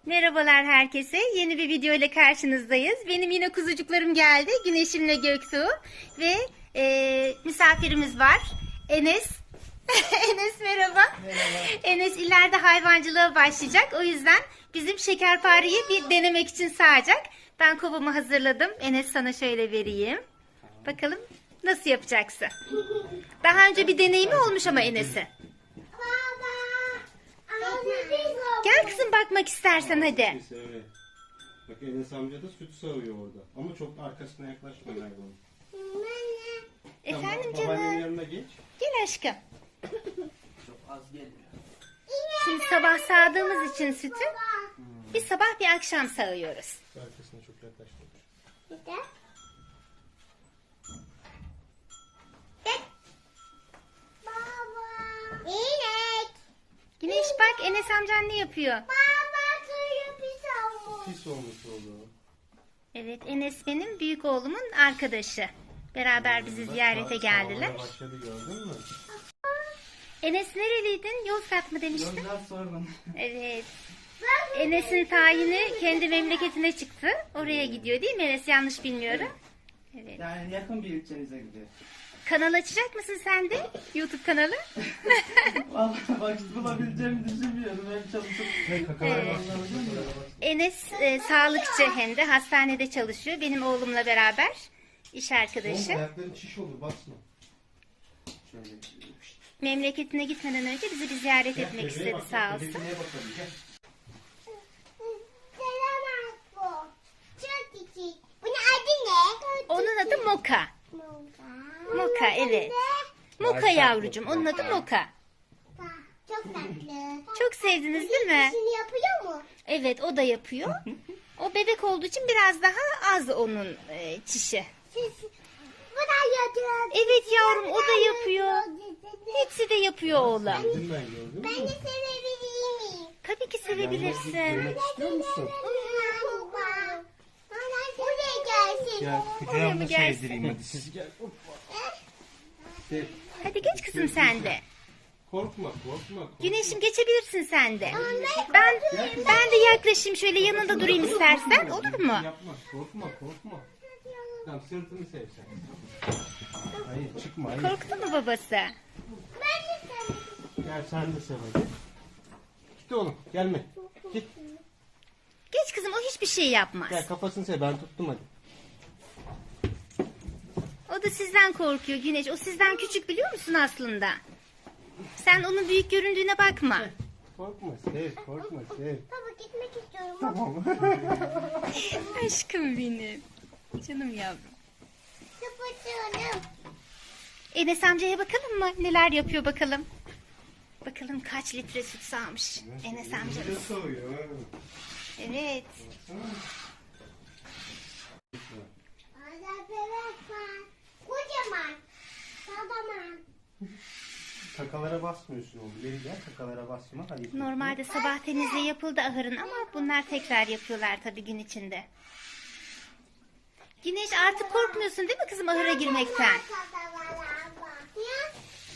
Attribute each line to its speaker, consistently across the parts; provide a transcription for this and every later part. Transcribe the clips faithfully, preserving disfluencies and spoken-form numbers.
Speaker 1: Merhabalar herkese. Yeni bir video ile karşınızdayız. Benim yine kuzucuklarım geldi. Güneşimle Göktuğ. Ve e, misafirimiz var. Enes. Enes merhaba.
Speaker 2: Merhaba.
Speaker 1: Enes ileride hayvancılığa başlayacak. O yüzden bizim şekerpareyi bir denemek için sağacak. Ben kovamı hazırladım. Enes sana şöyle vereyim. Bakalım nasıl yapacaksın? Daha önce bir deneyimi olmuş ama Enes'in. Gel kızım bakmak istersen hadi.
Speaker 2: Evet. Bak Enes amca da süt sağıyor orada. Ama çok arkasına yaklaşma hayvanın.
Speaker 1: Efendim
Speaker 2: Tamam, babaannenin
Speaker 1: canım.
Speaker 2: yanına geç.
Speaker 1: Gel aşkım.
Speaker 3: Çok az gelmiyor.
Speaker 1: Şimdi sabah sağdığımız için sütü bir sabah bir akşam sağıyoruz.
Speaker 2: Arkasına çok yaklaşma.
Speaker 1: Güneş bak Enes amcan ne yapıyor?
Speaker 2: Pis olmuş oldu.
Speaker 1: Evet Enes benim büyük oğlumun arkadaşı. Beraber bizi
Speaker 2: Bak,
Speaker 1: ziyarete
Speaker 2: sağ-
Speaker 1: geldiler.
Speaker 2: sağlamaya başladı gördün mü?
Speaker 1: Enes nereliydin? Yozgat mı demiştin?
Speaker 3: Yozgat sorun.
Speaker 1: Evet. Enes'in tayini kendi memleketine çıktı. Oraya gidiyor değil mi Enes? Yanlış bilmiyorum. Evet.
Speaker 3: Yani yakın bir ilçenize gidiyor.
Speaker 1: Kanal açacak mısın sen de? YouTube kanalı.
Speaker 3: Vallahi vakit bulabileceğimi düşünmüyorum. Hem çalışıp
Speaker 2: Hey kakalara
Speaker 1: Evet.
Speaker 2: bak. Kakalara bak.
Speaker 1: Enes e, sağlıkçı hem de hastanede çalışıyor. Benim oğlumla beraber iş
Speaker 2: Oğlum,
Speaker 1: arkadaşı.
Speaker 2: ayakların şiş olur basma.
Speaker 3: şöyle
Speaker 1: Memleketine gitmeden önce bizi bir ziyaret
Speaker 2: Gel,
Speaker 1: etmek
Speaker 2: bebeğe
Speaker 1: istedi
Speaker 2: bak,
Speaker 1: sağ
Speaker 2: bak,
Speaker 1: olsun.
Speaker 2: bebeğe bakalım, gel.
Speaker 1: Onun adı Moka. Moka evet. Moka yavrucum. Onun adı Moka.
Speaker 4: Çok tatlı.
Speaker 1: Çok sevdiniz değil mi?
Speaker 4: İşini yapıyor mu?
Speaker 1: Evet o da yapıyor. O bebek olduğu için biraz daha az onun e, çişi.
Speaker 4: Siz bu da yapıyor.
Speaker 1: Evet yavrum o da yapıyor. Hepsi de yapıyor oğlum.
Speaker 2: Gördüm ben gördüm mü?
Speaker 4: Ben de sevebilir miyim?
Speaker 1: Tabii ki sevebilirsin.
Speaker 2: Görmek istiyor musun?
Speaker 4: Baba. Buraya gelsin.
Speaker 2: Gel
Speaker 1: Oraya mı gelsin?
Speaker 2: sevdireyim hadi siz gel. Hoppa. Sev.
Speaker 1: Hadi geç kızım sen de.
Speaker 2: Korkma korkma. korkma.
Speaker 1: Güneşim geçebilirsin sen de. Ben ben de yaklaşayım şöyle yanında durayım istersen olur mu?
Speaker 2: Yapma korkma korkma. Tamam sırtını sev sen. Hayır çıkma hayır.
Speaker 1: Korktu mu babası?
Speaker 4: Ben de severim.
Speaker 2: Gel sen de sev hadi. Git oğlum gelme. Git.
Speaker 1: Geç kızım o hiçbir şey yapmaz.
Speaker 2: Gel kafasını sev ben tuttum hadi.
Speaker 1: O da sizden korkuyor Güneş. O sizden küçük biliyor musun aslında? Sen onun büyük göründüğüne bakma.
Speaker 2: Korkma sev korkma sev.
Speaker 4: Baba gitmek istiyorum.
Speaker 2: Tamam.
Speaker 1: Aşkım benim. Canım yavrum.
Speaker 4: Kapatıyorum.
Speaker 1: Enes amcaya bakalım mı? Neler yapıyor bakalım. Bakalım kaç litre süt sağmış Enes amcamız.
Speaker 2: Ne soğuyor?
Speaker 1: Evet.
Speaker 4: Orada bebek var. Kocaman. Kocaman.
Speaker 2: Kakalara basmıyorsun oğlum. Geri gel kakalara basma. Hadi.
Speaker 1: Normalde sabah temizliği yapıldı ahırın ama bunlar tekrar yapıyorlar tabii gün içinde. Güneş artık korkmuyorsun değil mi kızım ahıra girmekten?
Speaker 4: Ya.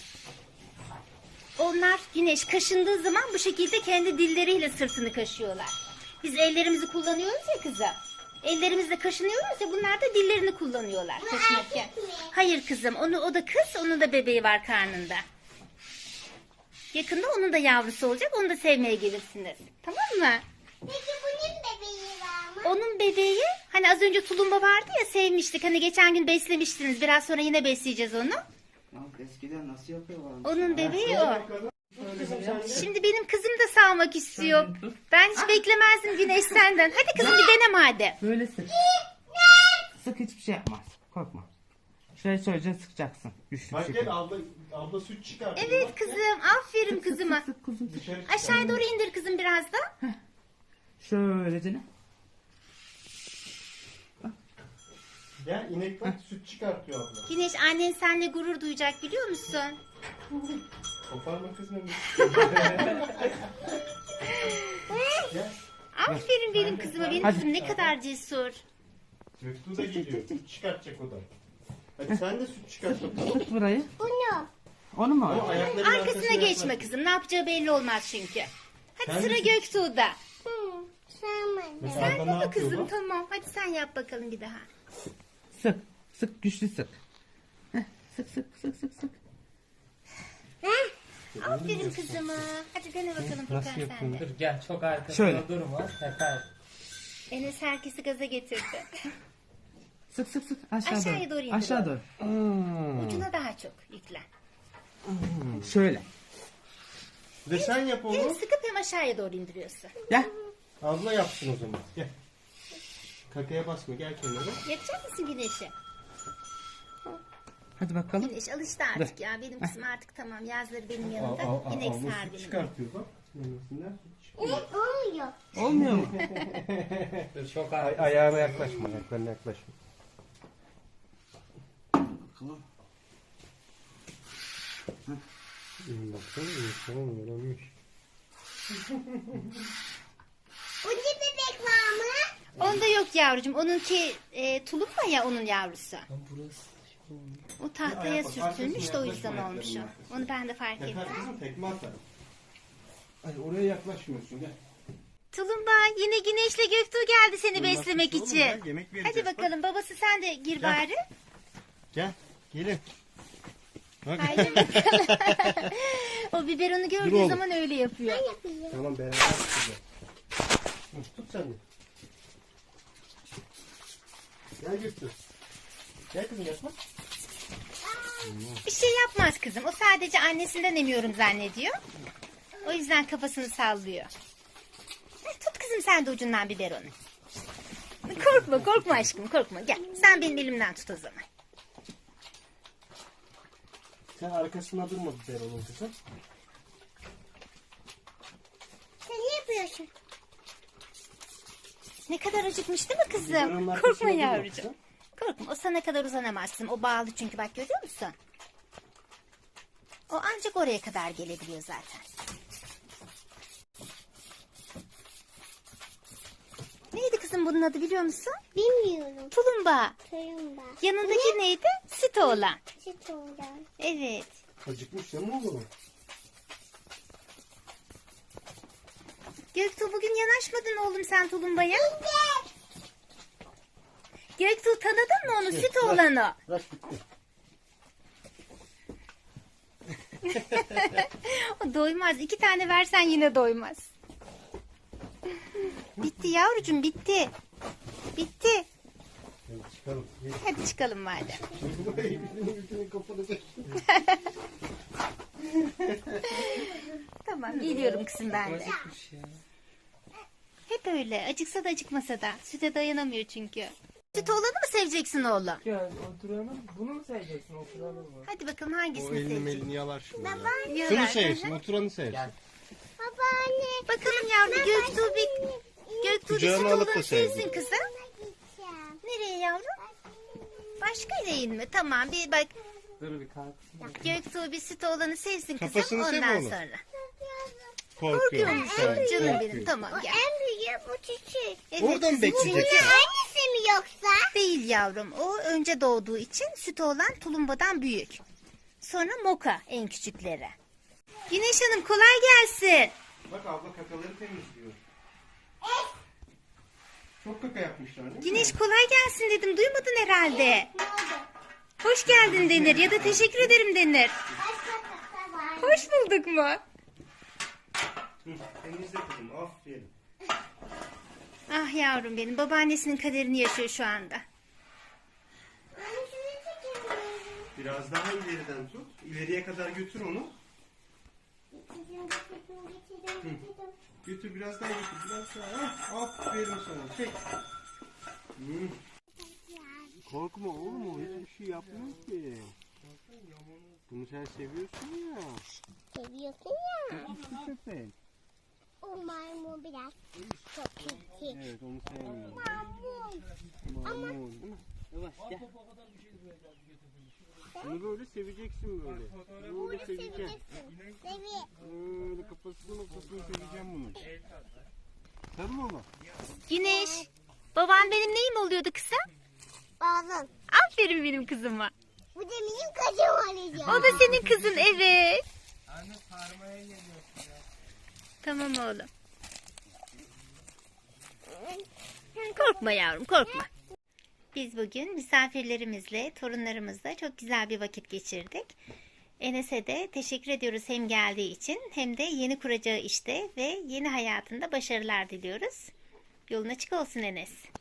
Speaker 1: Onlar Güneş kaşındığı zaman bu şekilde kendi dilleriyle sırtını kaşıyorlar. Biz ellerimizi kullanıyoruz ya kızım. Ellerimizle kaşınıyoruz ya bunlar da dillerini kullanıyorlar kaşınırken.
Speaker 4: erkek mi?
Speaker 1: Hayır kızım onu o da kız onun da bebeği var karnında. Yakında onun da yavrusu olacak onu da sevmeye gelirsiniz. Tamam mı?
Speaker 4: Peki bunun bebeği var mı?
Speaker 1: Onun bebeği hani az önce tulumba vardı ya sevmiştik. Hani geçen gün beslemiştiniz. Biraz sonra yine besleyeceğiz onu.
Speaker 3: ya eskiden nasıl yapıyorlar?
Speaker 1: Onun bebeği o.
Speaker 2: Kızım sen de.
Speaker 1: Şimdi benim kızım da sağmak istiyor. Ben hiç beklemezdim Güneş senden. Hadi kızım bir dene madem.
Speaker 3: Böyle sık. Sık hiçbir şey yapmaz. Korkma. Şöyle şöyle sıkacaksın. Güçlü bir
Speaker 2: Bak
Speaker 3: şekilde.
Speaker 2: gel abla, abla süt çıkartıyor.
Speaker 1: Evet
Speaker 2: Bak, gel.
Speaker 1: kızım. Aferin kızıma.
Speaker 3: Sık kuzum sık.
Speaker 2: Dışarı çık.
Speaker 1: Aşağıya doğru indir kızım biraz da.
Speaker 3: Şöylece ne?
Speaker 2: Gel inek bak süt çıkartıyor abla.
Speaker 1: Güneş annen seninle gurur duyacak biliyor musun?
Speaker 2: Koparma kızım. Gel.
Speaker 1: Aferin benim kızıma. Benim
Speaker 3: Hadi.
Speaker 1: kızım ne kadar cesur.
Speaker 2: Göktuğ da geliyor. Süt çıkartacak o da. Hadi sen de süt çıkart bakalım.
Speaker 3: Sık burayı.
Speaker 4: Bunu.
Speaker 3: Onu mu?
Speaker 2: Ama ayakların
Speaker 1: Arkasına geçme
Speaker 2: yaklaş.
Speaker 1: kızım. Ne yapacağı belli olmaz çünkü. Hadi
Speaker 2: Sen
Speaker 1: sıra
Speaker 2: de-
Speaker 1: Göktuğ'da.
Speaker 4: Hı.
Speaker 2: Mesela
Speaker 1: Sen
Speaker 2: Arda ne
Speaker 1: yap
Speaker 2: yapıyor
Speaker 1: kızım
Speaker 2: bu?
Speaker 1: tamam. Hadi sen yap bakalım bir daha.
Speaker 3: Sık. Sık güçlü sık. Heh, sık sık sık sık sık.
Speaker 1: Aferin kızıma. Hadi dene bakalım
Speaker 2: Nasıl
Speaker 1: Furkan sen
Speaker 2: yapıyorsun?
Speaker 1: de.
Speaker 5: Dur gel çok arkasında
Speaker 3: Şöyle.
Speaker 5: durma. Tekrar.
Speaker 1: Enes herkesi gaza getirdi.
Speaker 3: Sık sık sık. Aşağı
Speaker 1: Aşağıya
Speaker 3: doğru.
Speaker 1: doğru indir
Speaker 3: Aşağı
Speaker 1: onu.
Speaker 3: doğru.
Speaker 2: Hmm.
Speaker 1: Ucuna daha çok yüklen.
Speaker 3: Şöyle.
Speaker 2: Ve sen yap
Speaker 1: Hem
Speaker 2: onu.
Speaker 1: sıkıp hem aşağıya doğru indiriyorsun.
Speaker 3: Gel.
Speaker 2: Abla yapsın o zaman. Gel. Kakaya basma gel kenara.
Speaker 1: Yapacak mısın Güneş'i?
Speaker 3: Hadi bakalım.
Speaker 1: Güneş alıştı artık ya. Benim kızım artık tamam. Yazları benim yanımda.
Speaker 2: Al, al, al,
Speaker 1: İnek
Speaker 2: al,
Speaker 1: sağar
Speaker 2: süt
Speaker 1: benim.
Speaker 2: çıkartıyor bak. Memesinden süt çıkıyor.
Speaker 4: Ne olmuyor?
Speaker 3: Olmuyor mu?
Speaker 5: Dur çok
Speaker 2: Ay,
Speaker 5: arkasında.
Speaker 2: ayağına yaklaşma, ayaklarına yaklaşma. Hmm, baksana, tamam öğrenmiş.
Speaker 4: Ucu bebek var mı?
Speaker 1: Onda yok yavrucuğum. Onunki e, tulumba ya onun yavrusu.
Speaker 5: Burası.
Speaker 1: O tahtaya
Speaker 2: Ayak bak,
Speaker 1: sürtülmüş de o
Speaker 2: arkasına
Speaker 1: yüzden
Speaker 2: yaklaşma
Speaker 1: olmuş o.
Speaker 2: ayaklarına.
Speaker 1: Onu ben de fark ettim.
Speaker 2: Yakar kızım tekme atar. Ay oraya yaklaşmıyorsun gel.
Speaker 1: Tulumba yine Güneş'le Göktuğ geldi seni
Speaker 2: Bunlar
Speaker 1: beslemek
Speaker 2: suçlu oğlum,
Speaker 1: için.
Speaker 2: gel, yemek vereceğiz,
Speaker 1: Hadi
Speaker 2: bak.
Speaker 1: bakalım babası sen de gir
Speaker 2: Gel.
Speaker 1: bari.
Speaker 2: Gel gelin. Bak.
Speaker 1: Haydi bakalım. O biberonu
Speaker 2: Dur
Speaker 1: gördüğü
Speaker 2: oğlum.
Speaker 1: zaman öyle yapıyor.
Speaker 4: Yapayım.
Speaker 2: Tamam beraber tutacağız. Hı, Tut sen de. Gel götür. Gel kızım yapma.
Speaker 1: Bir şey yapmaz kızım. O sadece annesinden emiyorum zannediyor. O yüzden kafasını sallıyor. Heh, Tut kızım sen de ucundan biberonu. Korkma korkma aşkım korkma. Gel sen benim elimden tut o zaman.
Speaker 2: Sen arkasına durma biber onun kızım.
Speaker 4: Sen ne yapıyorsun?
Speaker 1: Ne kadar acıkmış değil mi
Speaker 2: Biberonun
Speaker 1: kızım?
Speaker 2: arkasına
Speaker 1: Korkma
Speaker 2: durma
Speaker 1: yavrucuğum.
Speaker 2: kızım.
Speaker 1: Korkma o sana kadar uzanamaz kızım. O bağlı çünkü bak görüyor musun? O ancak oraya kadar gelebiliyor zaten. Neydi kızım bunun adı biliyor musun?
Speaker 4: Bilmiyorum.
Speaker 1: Tulumba.
Speaker 4: Köyüm ben.
Speaker 1: Yanındaki neydi? Süt oğlan.
Speaker 4: Süt oradan.
Speaker 1: Evet.
Speaker 2: Acıkmış ya mı oğlum?
Speaker 1: Göktuğ bugün yanaşmadın oğlum sen tulumbaya. Göktuğ tanıdın mı onu?
Speaker 2: Evet,
Speaker 1: Süt
Speaker 2: bırak.
Speaker 1: oğlan o.
Speaker 2: Bırak bitti.
Speaker 1: O doymaz. İki tane versen yine doymaz. Bitti yavrucuğum bitti. Bitti.
Speaker 2: Hadi çıkalım. Gel.
Speaker 1: Hadi çıkalım madem.
Speaker 2: Şimdi burayı birbirine birbirine kapatacak.
Speaker 1: Tamam geliyorum kızım ben de.
Speaker 5: Acıkmış ya.
Speaker 1: Hep öyle. Acıksa da acıkmasa da. Süte dayanamıyor çünkü. Süt oğlanı mı seveceksin oğlum?
Speaker 5: Gel oturalım. Bunu mu seveceksin? Oturalım mı?
Speaker 1: Hadi bakalım
Speaker 2: O
Speaker 1: hangisini
Speaker 2: elini
Speaker 1: seveceksin?
Speaker 2: melini yalar şimdi. ya.
Speaker 1: Yalar.
Speaker 2: Şunu sevsin, oturanı sevsin.
Speaker 5: Gel.
Speaker 4: Babaanne.
Speaker 1: Bakalım yavrum Göktuğ bir... Göktuğ bir süt
Speaker 2: Kucağına alıp da
Speaker 1: oğlanı
Speaker 2: sevsin.
Speaker 1: sevsin kızım.
Speaker 4: Gideceğim.
Speaker 1: Nereye yavrum? Başka değil mi? Tamam bir bak.
Speaker 5: Dur bir kalk.
Speaker 1: Göktuğ bir süt oğlanı sevsin kızım.
Speaker 2: Kafasını sev
Speaker 1: Ondan
Speaker 2: oğlum.
Speaker 1: sonra.
Speaker 2: Korkuyor.
Speaker 1: Korkuyor musun?
Speaker 2: Evet,
Speaker 1: Canım
Speaker 2: korkuyor.
Speaker 1: benim tamam
Speaker 4: O
Speaker 1: gel.
Speaker 4: en büyüğü bu küçük.
Speaker 1: Evet,
Speaker 2: Oradan
Speaker 1: kızım,
Speaker 2: bekleyecek.
Speaker 1: çünkü-
Speaker 4: Annesi mi yoksa?
Speaker 1: Değil yavrum. O önce doğduğu için süt olan tulumbadan büyük. Sonra moka en küçükleri. Güneş Hanım kolay gelsin.
Speaker 2: Bak abla kakaları temizliyor. Çok kaka yapmışlar değil mi?
Speaker 1: Güneş kolay gelsin dedim. Duymadın herhalde.
Speaker 4: Ne oldu?
Speaker 1: Hoş geldin denir ya da teşekkür ederim denir.
Speaker 4: Başka kaka var.
Speaker 1: Hoş bulduk mu?
Speaker 2: Hı, temizle kızım aferin.
Speaker 1: Ah yavrum benim. Babaannesinin kaderini yaşıyor şu anda.
Speaker 4: Anne şunu çekelim.
Speaker 2: Biraz daha ileriden tut. İleriye kadar götür onu.
Speaker 4: Getirdim, getirdim, getirdim, getirdim.
Speaker 2: Götür biraz daha götür. Biraz daha. Hah, aferin sana. Çek. Hı. Korkma oğlum o hiçbir şey yapmıyor ki. Bunu sen seviyorsun ya.
Speaker 4: Seviyorsun ya.
Speaker 2: Küçük köpek.
Speaker 4: O maymun biraz çok kötü.
Speaker 2: Evet onu sevmiyorum.
Speaker 4: Maymun.
Speaker 2: Maymun değil mi?
Speaker 5: Yavaş gel.
Speaker 2: Bunu böyle seveceksin böyle. Böyle
Speaker 4: Bunu
Speaker 2: seveceksin.
Speaker 4: seveceksin. Sevi.
Speaker 2: Böyle kafasını kafasını seveceğim bunu. Tamam mı?
Speaker 1: Güneş. Baban benim neyim oluyordu kısa?
Speaker 4: Bazen.
Speaker 1: Aferin benim kızıma.
Speaker 4: Bu da benim kocam olacak.
Speaker 1: O da senin kızın evet.
Speaker 5: Anne sarmaya geliyorsun ya.
Speaker 1: Tamam oğlum. Korkma yavrum, korkma. Biz bugün misafirlerimizle, torunlarımızla çok güzel bir vakit geçirdik. Enes'e de teşekkür ediyoruz hem geldiği için hem de yeni kuracağı işte ve yeni hayatında başarılar diliyoruz. Yolun açık olsun Enes.